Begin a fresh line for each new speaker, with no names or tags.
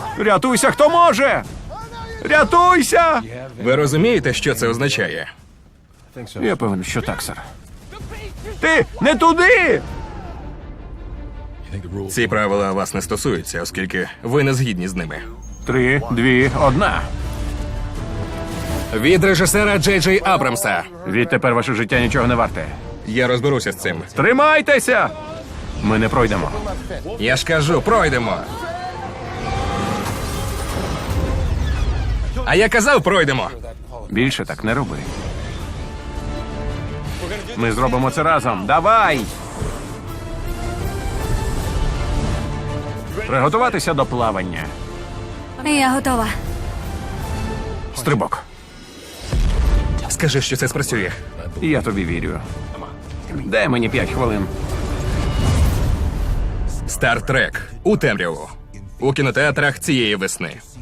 Рятуйся, хто може! Рятуйся!
Ви розумієте, що це означає?
Я певен, що так, сер. Ти не туди!
Ці правила вас не стосуються, оскільки ви не згідні з ними.
3, 2, 1.
Від режисера Джей Джей Абрамса.
Відтепер ваше життя нічого не варте.
Я розберуся з цим.
Тримайтеся! Ми не пройдемо.
Я ж кажу, пройдемо. А я казав, пройдемо.
Більше так не роби. Ми зробимо це разом. Давай! Приготуватися до плавання.
Я готова.
Стрибок.
Скажи, що це спрацює.
Я тобі вірю. Дай мені 5 хвилин.
Стартрек у темряву. У кінотеатрах цієї весни.